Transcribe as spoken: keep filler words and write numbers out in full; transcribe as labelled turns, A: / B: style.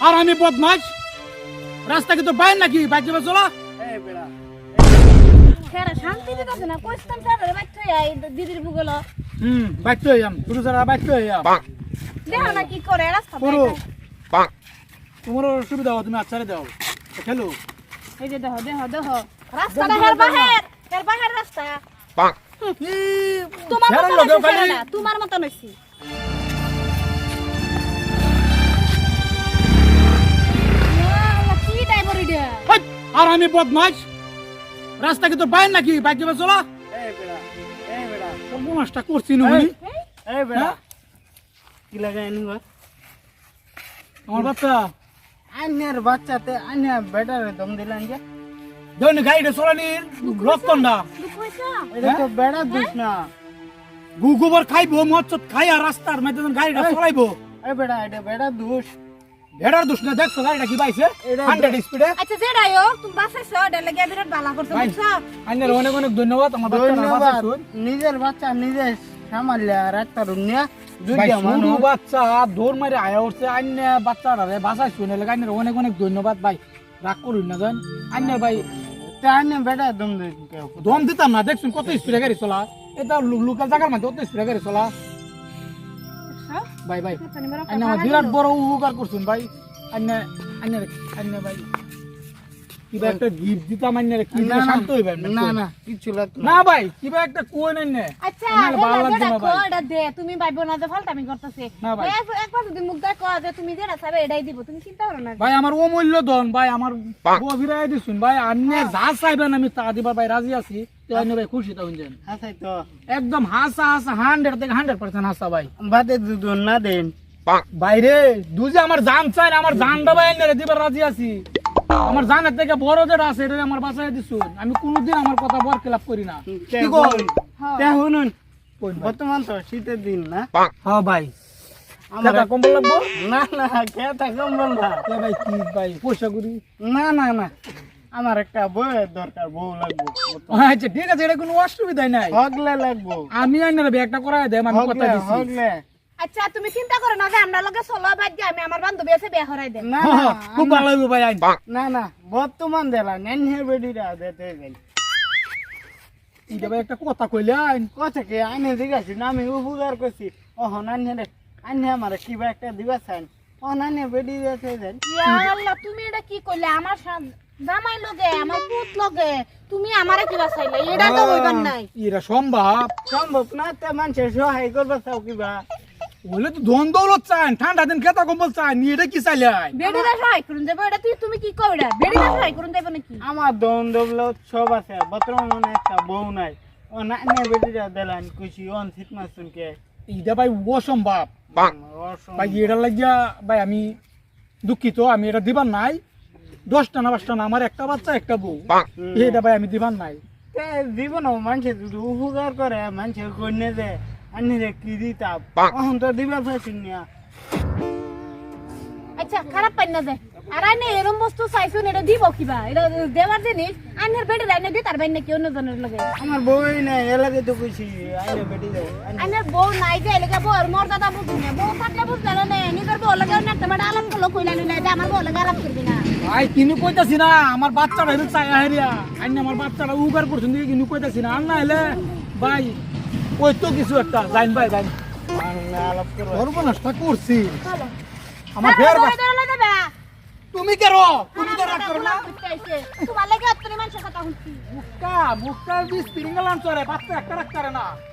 A: আর আমি বদমাশ রাস্তা কি তোর বাইর নাকি বাইক দিবে চলা
B: এই বেড়া
C: খেরা শান্তি দিতেছে না কইস্তাম স্যার বাইক থই আই দিদির ভুগলো
A: হুম বাইক তো আম তুই যারা বাইক তো আম
C: দেখো না কি করে রাস্তা
A: পুরো তোমার সুবিধা হবে তুমি আচ্ছারে দাও খেলো
C: এই যে দেখো দেখো দেখো রাস্তাটা হের বাহির হের বাহির রাস্তা তোমার
A: ছেড়ে
C: মত
A: লোকে
C: নইছি
A: খালি।
C: না তোমার মত নইছি কি ড্রাইভার এটা
A: হেই, আর আমি বদমাশ রাস্তা কি তোর বাইর নাকি বাইক দিবে চলা
B: এই বেড়া এই বেড়া
A: সর্বনাশটা করছি নুনি
B: এই বেড়া
A: হ্যাঁ?
B: কি লাগাই নিবা
A: আমার বাচ্চা
B: আন্যার বাচ্চাতে আন্যা বেটারে দম দিলেন যে
A: ধরুন গাড়িটা চলানি রক্তন্ডা
C: দুঃখ হইছে
B: এটা তো বেড়া দুষ না
A: গু গোবর খাইবো মচ্ছত খাই আর রাস্তার মধ্যে যখন গাড়িটা
B: এই।
A: চলাইবো
B: এই বেড়া এটা বেড়া দুষ
A: ভেড়ার দোষ না দেখছো গাড়িটা কি পাইছে
B: এটা-
A: হান্ড্রেড স্পিডে
C: আচ্ছা যেটাই হোক তুমি বাঁচাইছো এটা লাগে বিরাট ভালো করছো
A: ভাই।
C: বুঝছো
A: আইনের অনেক অনেক ধন্যবাদ আমার বাচ্চাটা
B: ধন্যবাদ
A: বাঁচাইছুন।
B: নিজের বাচ্চা নিজে সামাল রাখতে রুনিয়া
A: ভাই,
B: দুইটা
A: সরু
B: মানুষ
A: বাচ্চা দৌড় মারে আয়া উঠছে আইনে বাচ্চাটারে বাঁচাইছুন এলে আইনের অনেক অনেক ধন্যবাদ ভাই রাগ করুন না জান আইনের ভাই
B: তাহলে বেটা দম দিন কেউ
A: দম দিতাম না দেখছুন কত স্পিডে গাড়ি চলা এটা লোকাল জায়গার মধ্যে কত স্পিডে গাড়ি চলা ভাই ভাই আইনে আমার বিরাট বড় উপকার করছুন ভাই আইনে আইনে আইনে ভাই কিবা একটা গিফট দিতাম আইনে কি
B: না,
A: দিলে
B: না,
A: শান্ত হইবেন
B: না না কিছু লাগতো
A: না ভাই কিবা একটা কোন আইনে
C: আচ্ছা
A: আমার ভালো
C: হেলা
A: লাগছে
C: যেটা
A: না ভাই।
C: কো এটা দে তুমি ভাইবো না যে ফালতামি করতেছে
A: না ভাই।
C: ভাই এক- একবার যদি মুখ দেখ যে তুমি যেটা চাইবে এটাই দিব তুমি চিন্তা করো না
A: ভাই আমার অমূল্য ধন ভাই আমার গভীরায় দিছুন ভাই আপনি যা চাইবেন আমি তা দিবার ভাই রাজি আছি তো আপনি ভাই খুশি থাকুন যেন
B: হাসাই তো
A: একদম হাসা হাসা হান্ড্রেড থেকে হান্ড্রেড পার্সেন্ট হাসা ভাই
B: বাদে দুজন না দেন
A: বাইরে দুজে আমার জান চাই না আমার জানটা ভাই এনে দিবার রাজি আছি আমার জানের থেকে বড় যেটা আছে এটা আমার বাঁচাই দিছুন আমি কোনোদিন আমার কথা বর খেলাপ করি না কি কই?
B: তে শুনুন
A: কই ভাই?
B: বর্তমান তো শীতের দিন না
A: হ্যাঁ ভাই
B: আমার
A: আমার কম্বল লাগবো
B: না না খেতে কম্বল না
A: এ ভাই কি ভাই পয়সা করি
B: না না না আমার একটা বউয়ের দরকার বউ লাগবো
A: আচ্ছা ঠিক আছে এটা কোনো অসুবিধাই নাই
B: হগলে লাগবো
A: আমি আইনার ব্যাগটা করাই দেম আমি কথা
B: হগলে
A: দিছি
B: হগলে
C: আচ্ছা তুমি চিন্তা করো না যে আমরা লগে চলো বাদ দিয়ে আমি আমার বান্ধবী আছে বিয়ে হরাই দেব
B: না
A: হ্যাঁ,
B: না
A: হ্যাঁ, খুব ভালো হইব ভাই আইন
B: না না বর্তমান দেলা নেন হে বেডিরা দিতে গেল
A: এটা ভাই একটা কথা কইলে আইন
B: কথা কি আইনে জিজ্ঞাসি না আমি উপকার করছি ও হনান হে আইনে আমার কিবা একটা দিবা চাই ও নানে বেডি দিতে দেন
C: ইয়া আল্লাহ তুমি এটা কি কইলে আমার সা- জামাই লগে আমার পুত লগে তুমি আমারে কি বাঁচাইলে এটা তো হইবার নাই
A: এরা সম্ভব
B: সম্ভব না তে মানুষের সহায় করবা চাও কিবা
A: বলে তো ধন দৌলত চান ঠান্ডা দিন খেতা কম্বল চান নিয়ে এটা কি চাইলে আইন
C: বেডিরা সহায় করুন দেব এটা তুই তুমি কি কইরা বেডিরা সহায় করুন দেব নাকি
B: আমার দম দবল সব আছে বর্তমানে একটা বউ নাই ও নানে বেডিরা দেলান খুশি অন শীত মাস শুনকে
A: এটা ভাই অসম্ভব ভাই এটা লাগিয়া ভাই আমি দুঃখিত আমি এটা দিবার নাই দশটা না পাঁচটা না আমার একটা বাচ্চা একটা বউ এটা ভাই আমি দিবার নাই
B: জীবন মানুষের যদি উপকার করে মানুষের কন্যা যে আনি রে কি দিতা এখন তো দিবার পাইছি না
C: আচ্ছা খারাপ পাই না যায় আর আইনে এরম বস্তু চাইছুন এটা দিব কিবা এটা দেওয়ার জিনিস আইনের বেডিরা আইনে দিতার বাইন নাকি অন্য জনের লগে
B: আমার বউই নাই এলাকে তো খুশি আইলে বেটি যায়
C: আইনের বউ নাই যে এলাকা বউর মর্যাদা বুঝি না বউ থাকলে বুঝলে না নিজের বউ লাগে অন্য একটা বেটা আলাপ করলো কইলা নিলে যে আমার বউ লাগে আলাপ করবি না
A: ভাই কিনু কইতাছি না আমার বাচ্চাটা হেলে চাই হেরিয়া আইন আমার বাচ্চাটা উগার করছেন দিকে কিনু কইতাছি না আর না হলে ভাই ওই তো কিছু একটা জাইন ভাই জাইন
B: আলাপ করবো
A: সর্বনাশটা করছি
C: চলো
A: আমার ফের
C: বউ ধরে দেবে
A: তুমি কেন তুমি তো রাগ করো না
C: তোমার লাগে অত্তরি মানুষের কথা শুনছি
A: মুক্কা মুক্কার বিষ তিরিঙ্গালান চরে বাচ্চা একটা রাখতারে না